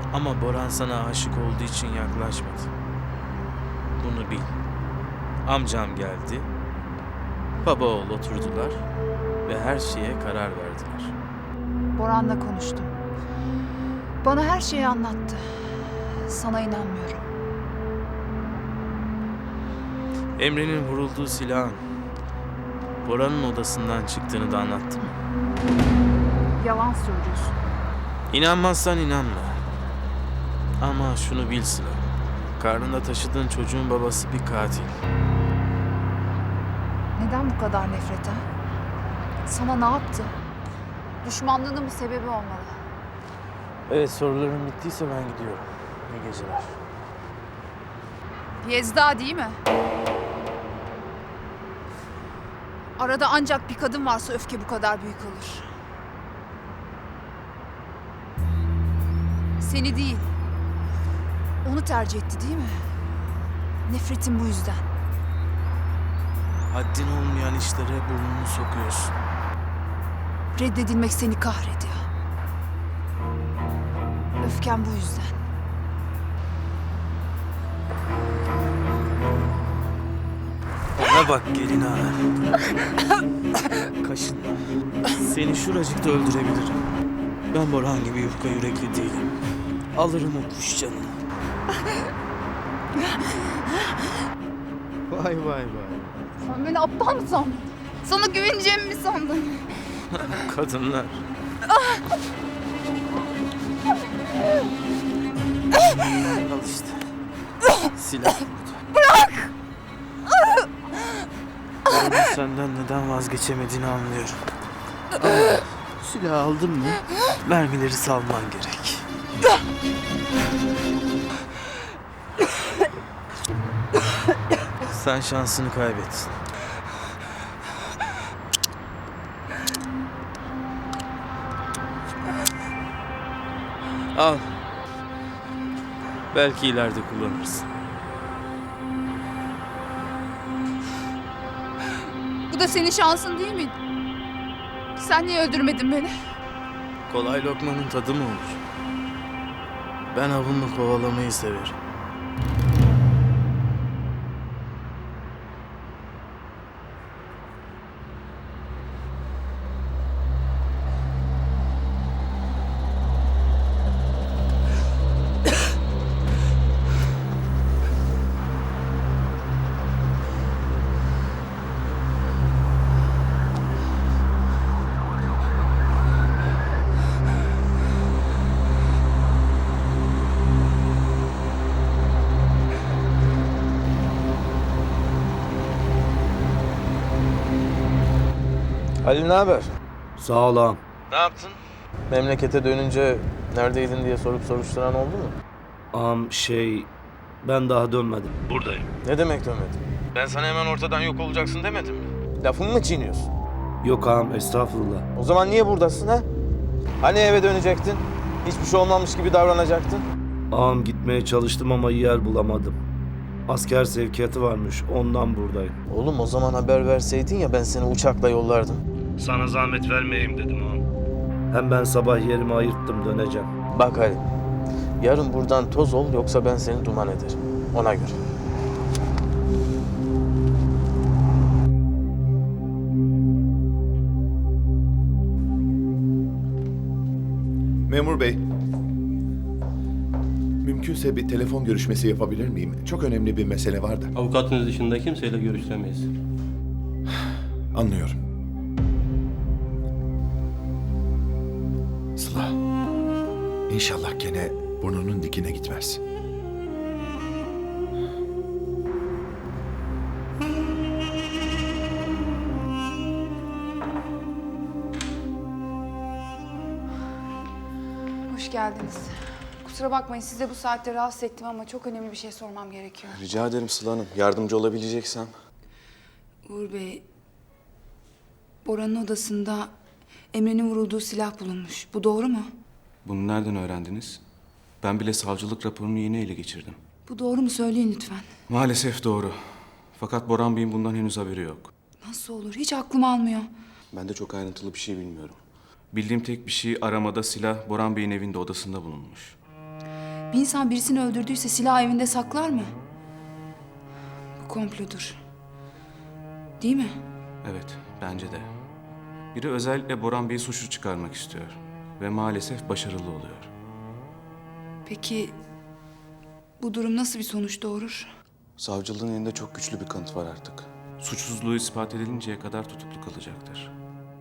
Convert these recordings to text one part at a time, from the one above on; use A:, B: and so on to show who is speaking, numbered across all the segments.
A: Ama Boran sana aşık olduğu için yaklaşmadı. Bunu bil. Amcam geldi. Baba oğul oturdular ve her şeye karar verdiler.
B: Boran'la konuştum. Bana her şeyi anlattı. Sana inanmıyorum.
A: Emre'nin vurulduğu silahın Boran'ın odasından çıktığını da anlattı mı?
B: Yalan söylüyorsun.
A: İnanmazsan inanma. Ama şunu bil Sıla. Karnında taşıdığın çocuğun babası bir katil.
B: Neden bu kadar nefret ha? Sana ne yaptı? Düşmanlığının bir sebebi olmalı.
A: Evet, soruların bittiyse ben gidiyorum. İyi geceler.
B: Yezda değil mi? Arada ancak bir kadın varsa öfke bu kadar büyük olur. Seni değil, onu tercih etti değil mi? Nefretin bu yüzden.
A: Haddin olmayan işlere burnunu sokuyorsun.
B: Reddedilmek seni kahrediyor. Öfken bu yüzden.
A: Ona bak gelin ağa. Kaşınma. Seni şuracıkta öldürebilirim. Ben Boran gibi yufka yürekli değilim. Alırım o kuş canını. Vay vay vay.
B: Sen beni aptal mı sandın? Sana güveneceğimi mi sandın?
A: Kadınlar. Al işte. Silah burada. Bırak! Onun senden neden vazgeçemediğini anlıyorum. Ama silah aldın mı mermileri salman gerek. Sen şansını kaybettin. Al. Belki ileride kullanırsın.
B: Bu da senin şansın değil miydi? Sen niye öldürmedin beni?
A: Kolay lokmanın tadı mı olur? Ben avımı kovalamayı severim. Halil ne haber?
C: Sağ ol ağam.
A: Ne yaptın? Memlekete dönünce neredeydin diye sorup soruşturan oldu mu?
C: Ağam ben daha dönmedim.
A: Buradayım. Ne demek dönmedin? Ben sana hemen ortadan yok olacaksın demedim mi? Lafımı mı çiğniyorsun?
C: Yok ağam, estağfurullah.
A: O zaman niye buradasın ha? Hani eve dönecektin? Hiçbir şey olmamış gibi davranacaktın?
C: Ağam, gitmeye çalıştım ama yer bulamadım. Asker sevkiyatı varmış, ondan buradayım.
A: Oğlum o zaman haber verseydin ya, ben seni uçakla yollardım.
C: Sana zahmet vermeyeyim dedim ağam. Hem ben sabah yerimi ayırttım, döneceğim.
A: Bak Halil, yarın buradan toz ol, yoksa ben seni duman ederim. Ona göre.
D: Memur bey. Mümkünse bir telefon görüşmesi yapabilir miyim? Çok önemli bir mesele var da.
E: Avukatınız dışında kimseyle görüşemeyiz.
D: Anlıyorum. Sıla. İnşallah gene burnunun dikine gitmez.
F: Hoş geldiniz. Kusura bakmayın, size bu saatte rahatsız ettim ama çok önemli bir şey sormam gerekiyor.
G: Rica ederim Sıla Hanım. Yardımcı olabileceksem.
F: Uğur Bey, Bora'nın odasında Emre'nin vurulduğu silah bulunmuş. Bu doğru mu?
G: Bunu nereden öğrendiniz? Ben bile savcılık raporunu yeni ele geçirdim.
F: Bu doğru mu? Söyleyin lütfen.
G: Maalesef doğru. Fakat Boran Bey'in bundan henüz haberi yok.
F: Nasıl olur? Hiç aklım almıyor.
G: Ben de çok ayrıntılı bir şey bilmiyorum. Bildiğim tek bir şey, aramada silah Boran Bey'in evinde, odasında bulunmuş.
F: Bir insan birisini öldürdüyse silahı evinde saklar mı? Bu komplodur. Değil mi?
G: Evet, bence de. Biri özellikle Boran Bey'i suçlu çıkarmak istiyor. Ve maalesef başarılı oluyor.
F: Peki bu durum nasıl bir sonuç doğurur?
G: Savcılığın elinde çok güçlü bir kanıt var artık. Suçsuzluğu ispat edilinceye kadar tutuklu kalacaktır.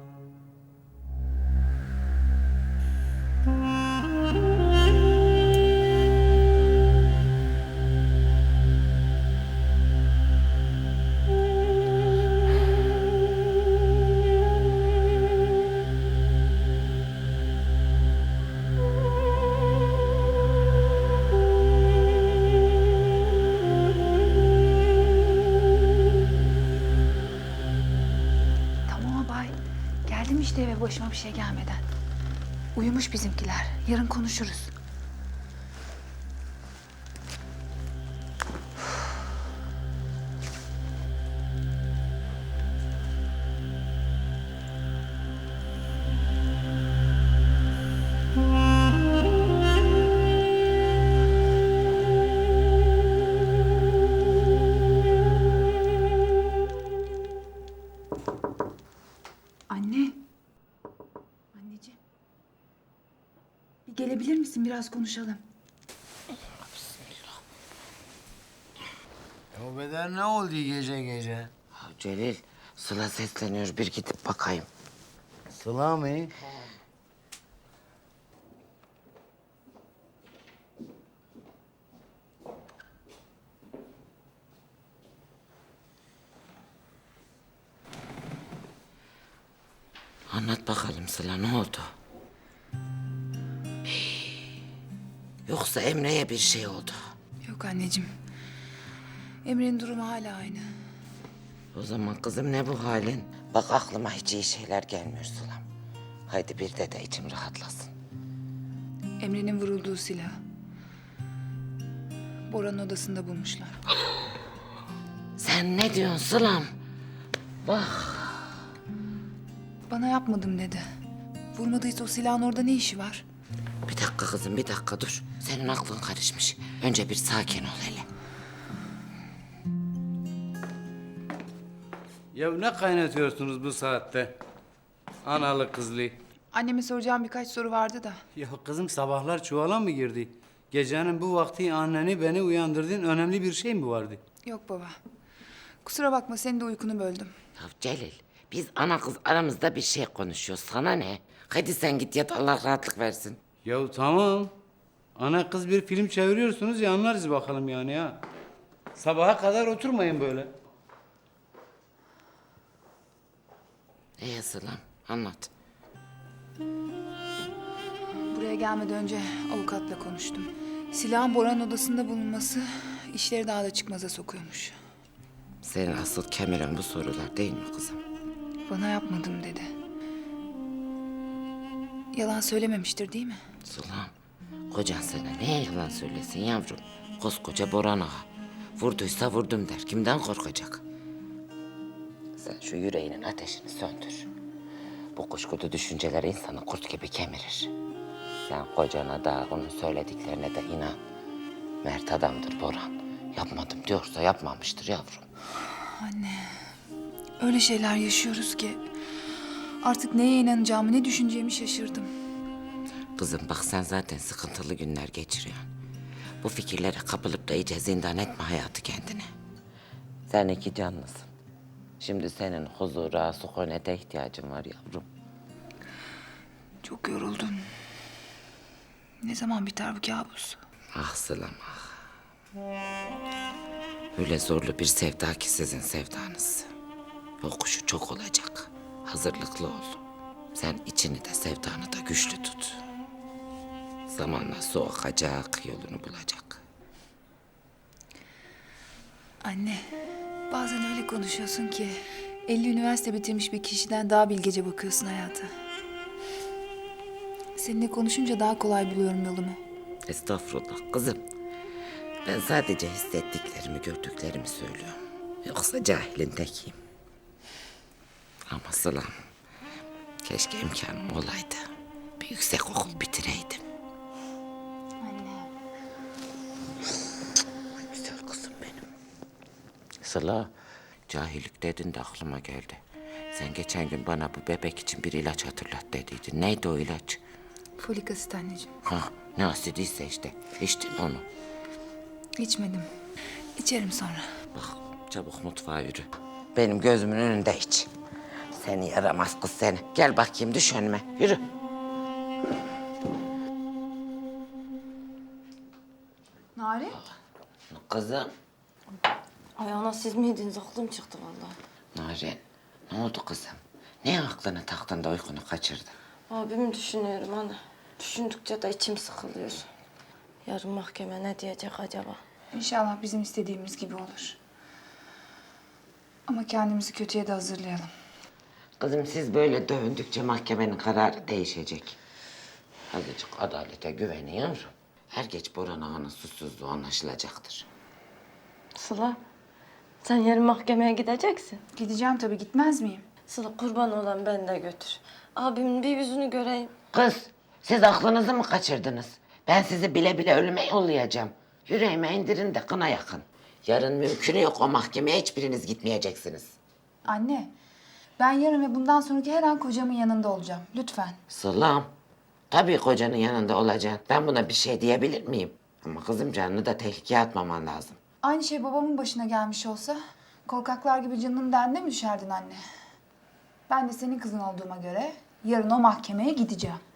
B: Tamam abay. Geldim işte eve başıma bir şey gelmeden. Uyumuş bizimkiler. Yarın konuşuruz. Anne. Anneciğim. Bir gelebilir misin? Biraz konuşalım.
H: O beden ne oldu gece gece?
I: Ya Celil, Sıla sesleniyor. Bir gidip bakayım.
H: Sıla mı?
I: Anlat bakalım Sıla, ne oldu? Yoksa Emre'ye bir şey oldu.
F: Yok anneciğim. Emre'nin durumu hala aynı.
I: O zaman kızım ne bu halin? Bak aklıma hiç iyi şeyler gelmiyor Sılam. Haydi bir de içim rahatlasın.
F: Emre'nin vurulduğu silah. Bora'nın odasında bulmuşlar.
I: Sen ne diyorsun Sılam?
F: Bana yapmadım dedi. Vurmadıysa o silahın orada ne işi var?
I: Bir dakika kızım, bir dakika dur. Senin aklın karışmış. Önce bir sakin ol hele.
J: Ya ne kaynatıyorsunuz bu saatte? Analı kızlı.
F: Anneme soracağım birkaç soru vardı da.
J: Ya kızım sabahlar çuvala mı girdi? Gecenin bu vakti anneni beni uyandırdın. Önemli bir şey mi vardı?
F: Yok baba. Kusura bakma senin de uykunu böldüm.
I: Ya Celil, biz ana kız aramızda bir şey konuşuyoruz. Sana ne? Hadi sen git yat, Allah rahatlık versin.
J: Ya tamam. Ana kız bir film çeviriyorsunuz ya, anlarız bakalım yani ya. Sabaha kadar oturmayın böyle.
I: Sılam, anlat.
F: Buraya gelmeden önce avukatla konuştum. Silahın Bora'nın odasında bulunması işleri daha da çıkmaza sokuyormuş.
I: Senin asıl kemiren bu sorular değil mi kızım?
F: Bana yapmadım dedi. Yalan söylememiştir değil mi?
I: Sılam, kocan sana neye yalan söylesin yavrum? Koskoca Boran ağa. Vurduysa vurdum der. Kimden korkacak? Sen şu yüreğinin ateşini söndür. Bu kuşkulu düşünceler insanı kurt gibi kemirir. Sen kocana da onun söylediklerine de inan. Mert adamdır Boran. Yapmadım diyorsa yapmamıştır yavrum.
F: Anne, öyle şeyler yaşıyoruz ki artık neye inanacağımı, ne düşüneceğimi şaşırdım.
I: Kızım bak, sen zaten sıkıntılı günler geçiriyorsun. Bu fikirlere kapılıp da iyice zindan etme hayatı kendine. Sen iki canlısın. Şimdi senin huzura, sükunete ihtiyacın var yavrum.
F: Çok yoruldum. Ne zaman biter bu kabus?
I: Ah Sılam ah. Öyle zorlu bir sevda ki sizin sevdanız. Yokuşu çok olacak. Hazırlıklı ol. Sen içini de sevdanı da güçlü tut. Zamanla su akacak, yolunu bulacak.
F: Anne, bazen öyle konuşuyorsun ki 50 üniversite bitirmiş bir kişiden daha bilgece bakıyorsun hayata. Seninle konuşunca daha kolay buluyorum yolumu.
I: Estağfurullah kızım. Ben sadece hissettiklerimi, gördüklerimi söylüyorum. Yoksa cahilin tekiyim. Ama Sılam, keşke imkanım olaydı. Bir yüksek okul bitireydim.
B: Anne.
I: Sıla, cahillik dedin de aklıma geldi. Sen geçen gün bana bu bebek için bir ilaç hatırlat dediydin. Neydi o ilaç?
F: Folik asit anneciğim.
I: Ha, ne asidiyse işte. İçtin onu.
F: İçmedim. İçerim sonra.
I: Bak, çabuk mutfağa yürü. Benim gözümün önünde iç. Seni yaramaz kız seni. Gel bakayım, düş önüme. Yürü.
B: Narin?
I: Kızım.
K: Ay ana siz miydiniz? Aklım çıktı vallahi.
I: Narin, ne oldu kızım? Ne aklını taktın da uykunu kaçırdın?
K: Abimi düşünüyorum ana. Düşündükçe de içim sıkılıyor. Yarın mahkeme ne diyecek acaba?
F: İnşallah bizim istediğimiz gibi olur. Ama kendimizi kötüye de hazırlayalım.
I: Kızım siz böyle dövündükçe mahkemenin kararı değişecek. Azıcık adalete güvenin yavrum. Her geç Boran Ağa'nın suçsuzluğu anlaşılacaktır.
K: Sıla, sen yarın mahkemeye gideceksin.
F: Gideceğim tabii, gitmez miyim?
K: Sıla kurban olan ben de götür. Abimin bir yüzünü göreyim.
I: Kız, siz aklınızı mı kaçırdınız? Ben sizi bile bile ölüme yollayacağım. Yüreğime indirin de kına yakın. Yarın mümkünü yok o mahkemeye hiçbiriniz gitmeyeceksiniz.
F: Anne, ben yarın ve bundan sonraki her an kocamın yanında olacağım. Lütfen.
I: Sılam, tabii kocanın yanında olacaksın. Ben buna bir şey diyebilir miyim? Ama kızım canını da tehlikeye atmaman lazım.
F: Aynı şey babamın başına gelmiş olsa korkaklar gibi canının derdine mi düşerdin anne? Ben de senin kızın olduğuma göre yarın o mahkemeye gideceğim.